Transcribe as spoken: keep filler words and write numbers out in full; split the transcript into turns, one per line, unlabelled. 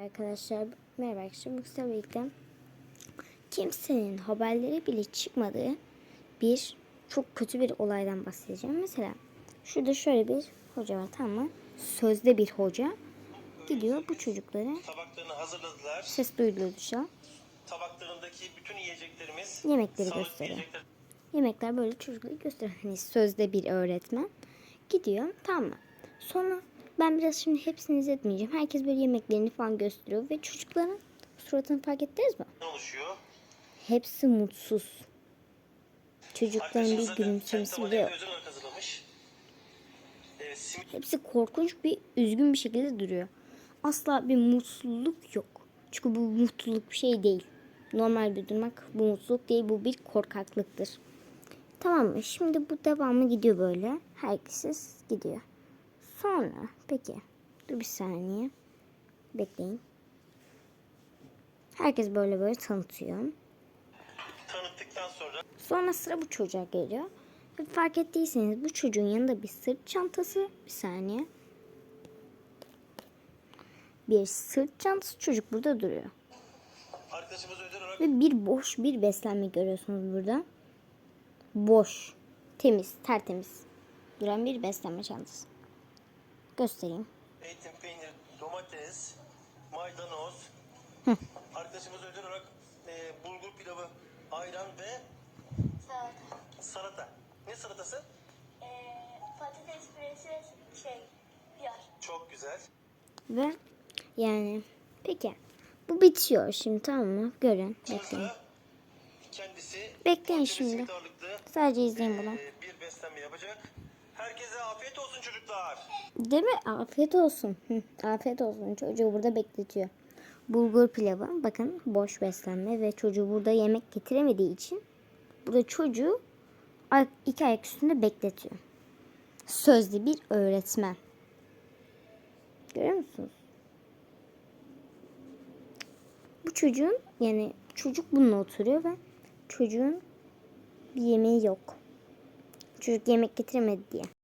Arkadaşlar merhaba arkadaşlar. Bu kısa birlikte kimsenin haberleri bile çıkmadığı bir çok kötü bir olaydan bahsedeceğim. Mesela şurada şöyle bir hoca var, tamam mı? Sözde bir hoca gidiyor bu çocuklara,
tabaklarını hazırladılar.
ses duyuluyor dışarı.
Tabaklarındaki bütün yiyeceklerimiz
Yemekleri gösteriyor.
yiyecekler.
Yemekler böyle çocuklara gösteriyor. Hani sözde bir öğretmen gidiyor, tamam mı? Sonra ben biraz şimdi hepsini izletmeyeceğim. Herkes böyle yemeklerini falan gösteriyor ve çocukların suratını fark ettiniz mi?
oluşuyor.
Hepsi mutsuz. Çocukların
Arkadaşımız
bir
zaten
gülümsemesi
kendi
bile yok.
özel olarak hazırlamış. Evet, simit
Hepsi korkunç bir üzgün bir şekilde duruyor. Asla bir mutluluk yok. Çünkü bu mutluluk bir şey değil. Normal bir durmak bu mutluluk değil, bu bir korkaklıktır. Tamam mı? Şimdi bu devamı gidiyor böyle. Herkes gidiyor. Sonra peki dur bir saniye. Bekleyin. Herkes böyle böyle tanıtıyor.
tanıttıktan sonra
Sonra sıra bu çocuğa geliyor. Ve fark ettiyseniz bu çocuğun yanında bir sırt çantası. Bir saniye. Bir sırt çantası, çocuk burada duruyor.
arkadaşımız özel olarak
Ve bir boş bir beslenme görüyorsunuz burada. Boş, temiz, tertemiz duran bir beslenme çantası. Göstereyim.
eğitim, peynir, domates, maydanoz.
Hı.
Arkadaşımız özel olarak e, bulgur pilavı, ayran ve
Salata.
salata. Ne salatası?
Ee, patates püresi şey yar.
Çok güzel.
Ve yani peki bu bitiyor şimdi, tamam mı? Görün, bekleyin.
Burada kendisi
Bekleyin
poğaça ve
şimdi.
simit ağırlıklı,
Sadece izleyin bunu.
e, bir beslenme yapacak. Herkese afiyet olsun çocuklar.
Değil mi? Afiyet olsun. Hı, afiyet olsun. Çocuğu burada bekletiyor. Bulgur pilavı. Bakın boş beslenme ve çocuğu burada yemek getiremediği için burada çocuğu ay- iki ayak üstünde bekletiyor. Sözlü bir öğretmen. Görüyor musunuz? Bu çocuğun yani çocuk bununla oturuyor ve çocuğun bir yemeği yok. Çocuk yemek getiremedi diye.